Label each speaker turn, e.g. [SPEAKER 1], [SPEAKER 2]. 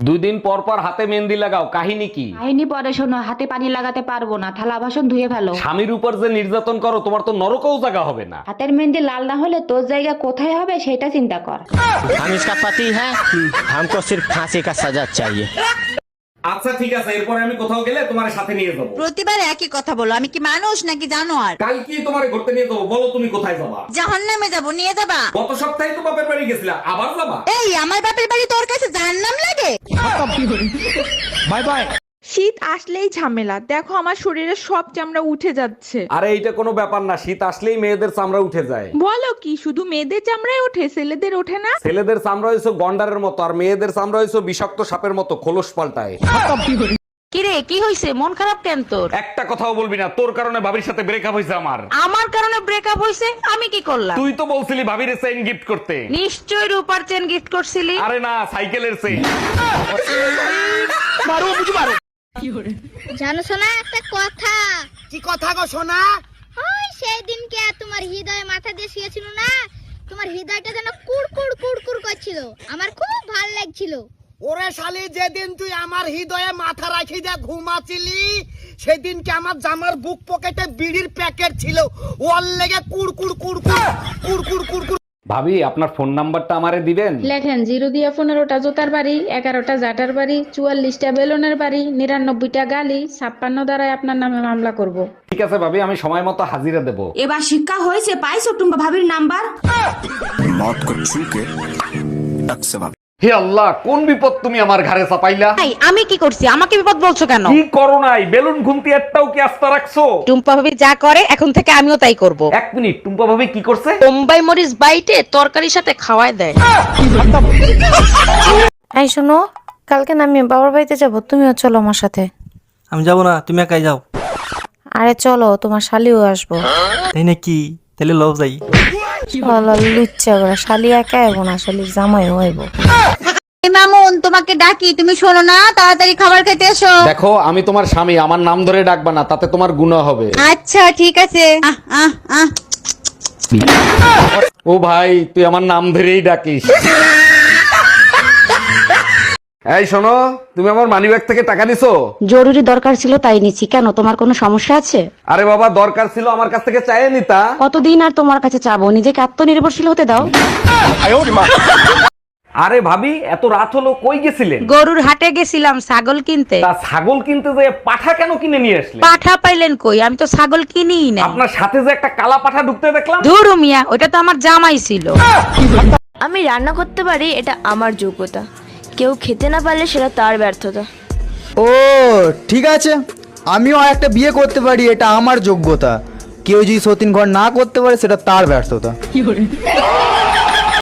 [SPEAKER 1] 2 দিন পর পর হাতে মেহেন্দি লাগাও, কাহিনী কি?
[SPEAKER 2] কাহিনী পরে শোনো, হাতে পানি লাগাতে পারবো না, থালা বাসন ধুয়ে ফেলো।
[SPEAKER 1] স্বামীর উপর যে নির্যাতন করো, তোমার তো নরকেও জায়গা হবে না।
[SPEAKER 2] হাতের মেহেন্দি লাল না হলে তোর জায়গা কোথায় হবে সেটা চিন্তা কর।
[SPEAKER 3] हम इसका पति है, हमको सिर्फ फांसी का सजा चाहिए।
[SPEAKER 1] আচ্ছা ঠিক আছে, এরপরে আমি কোথাও গেলে তোমার সাথে নিয়ে যাবো।
[SPEAKER 4] প্রতিবার একই কথা বলো, আমি কি মানুষ নাকি জানোয়ার?
[SPEAKER 1] কাল কি তোমার ঘুরতে নিয়ে যাবো, বলো তুমি কোথায় যাবা?
[SPEAKER 4] জাহান্নামে যাবো, নিয়ে যাবা?
[SPEAKER 1] গত সপ্তাহে তো বাপের বাড়ি গেছিলা, আবার যাবা?
[SPEAKER 4] এই আমার বাপের বাড়ি তোর কাছে জাহান্নাম লাগে?
[SPEAKER 3] Bye bye.
[SPEAKER 5] শীত আসলেই ঝামেলা, দেখো আমার শরীরে সব চামড়া উঠে যাচ্ছে।
[SPEAKER 1] আরে এইটা কোনো ব্যাপার না, শীত আসলেই মেয়েদের চামড়া উঠে যায়।
[SPEAKER 5] বলো কি, শুধু মেয়েদের চামড়ায় ওঠে, ছেলেদের ওঠে না?
[SPEAKER 1] ছেলেদের চামড়া হয়েছে গন্ডারের মতো, আর মেয়েদের চামড়া হয়েছে বিষাক্ত সাপের মতো, খোলস পাল্টায়।
[SPEAKER 2] কিরে কি হইছে, মন খারাপ কেন তোর?
[SPEAKER 1] একটা কথাও বলবি না, তোর কারণে ভাবির সাথে ব্রেকআপ হয়েছে আমার।
[SPEAKER 2] আমার কারণে ব্রেকআপ হইছে? আমি কি করলাম?
[SPEAKER 1] তুই তো বলছিলি ভাবির চেইন গিফট করতে।
[SPEAKER 2] নিশ্চয় রূপার চেন গিফট করছিলি।
[SPEAKER 1] আরে না, সাইকেলের চেইন।
[SPEAKER 6] জানো শোনা একটা কথা?
[SPEAKER 7] কি কথা গো সোনা?
[SPEAKER 6] ওই সেই দিনকে তোমার হৃদয়ে মাথা দিয়ে শুয়েছিল না, তোমার হৃদয়টা যেন কুড়কুড় কুড়কুড় করছিল, আমার খুব ভালো লাগছিল।
[SPEAKER 7] ওরে শালি, যেদিন তুই আমার হৃদয়ে মাথা রাখি দিয়ে ঘুমাচ্ছিলি, সেদিনকে আমার জামার বুক পকেটে বিড়ির প্যাকেট ছিল, ওর লেগে কুড়কুড় কুড়কুড় কুড়কুড় কুড়কুড়।
[SPEAKER 1] ভাবি, আপনার ফোন নাম্বারটা আমারে দিবেন?
[SPEAKER 8] লেখেন 0 দিয়া 15টা জোতার বাড়ি, 11টা জাটার বাড়ি, 44টা বেলুনের বাড়ি, 99টা গালি, 56 দ্বারাই আপনার নামে মামলা করব।
[SPEAKER 1] ঠিক আছে ভাবি, আমি সময় মতো হাজিরা দেব।
[SPEAKER 2] এবার শিক্ষা হয়েছে, পাইছো টুম্পা ভাবির নাম্বার?
[SPEAKER 1] হে আল্লাহ, কোন বিপদ তুমি আমার ঘাড়ে চাপাইলা?
[SPEAKER 2] আমি কি করছি? আমাকে বিপদ বলছো কেন?
[SPEAKER 1] কি করো নাই? বেলুন ঘুমতি একটাও কি আস্তা রাখছো?
[SPEAKER 2] টুম্পা ভাবি যা করে এখন থেকে আমিও তাই করব।
[SPEAKER 1] 1 মিনিট, টুম্পা ভাবি কি করছে?
[SPEAKER 2] বোম্বাই মরিচ বাইটে তরকারির সাথে খাওয়ায় দেয়।
[SPEAKER 9] এই শোনো, কালকে না আমি বাবার বাড়িতে যাব, তুমিও চলো আমার সাথে।
[SPEAKER 10] আমি যাবো না, তুমি একাই যাও।
[SPEAKER 9] আরে চলো, তোমার শালিও আসবো।
[SPEAKER 10] তাই নাকি? তাহলে লও যাই।
[SPEAKER 9] চলো, লুচ্চা করে শালি একা আইবো না, শালির জামাইও আইবো।
[SPEAKER 4] মামুন তোমাকে ডাকি, তুমি শোনো না, তাড়াতাড়ি খাবার খেতে এসো।
[SPEAKER 1] দেখো, আমি তোমার স্বামী, আমার নাম ধরে ডাকবা না, তাতে তোমার গুনাহ হবে।
[SPEAKER 4] আচ্ছা ঠিক আছে।
[SPEAKER 1] ও ভাই, তুই আমার নাম ধরেই ডাকিস। এই শোনো, তুমি আমার মানিব্যাগ থেকে টাকা নিছো?
[SPEAKER 2] জরুরি দরকার ছিল তাই নিচ্ছি। কেন, তোমার কোনো সমস্যা আছে?
[SPEAKER 1] আরে বাবা, দরকার ছিল, আমার কাছ থেকে চাইয়ে নিতা।
[SPEAKER 2] কতদিন আর তোমার কাছে চাবো? নিজেকে আত্মনির্ভরশীল হতে দাও।
[SPEAKER 1] আরে ভাবি, এত রাত হলো, কই গেছিলেন?
[SPEAKER 2] গরুর হাটে গেছিলাম ছাগল কিনতে।
[SPEAKER 1] তা ছাগল কিনতে যে পাঠা কেন কিনে নিয়ে আসলেন?
[SPEAKER 2] পাঠা পাইলেন কই? আমি তো ছাগল কিনিই না।
[SPEAKER 1] আপনার সাথে যে একটা কালা পাঠা ঢুকতে দেখলাম।
[SPEAKER 2] ধুরু মিয়া, ওটা তো আমার জামাই ছিল।
[SPEAKER 9] আমি রান্না করতে পারি, এটা আমার যোগ্যতা। কেউ খেতে না পারলে সেটা তার ব্যর্থতা।
[SPEAKER 11] ও ঠিক আছে, আমিও একটা বিয়ে করতে পারি, এটা আমার যোগ্যতা। কেউ যদি সতীন ঘর না করতে পারে সেটা তার ব্যর্থতা।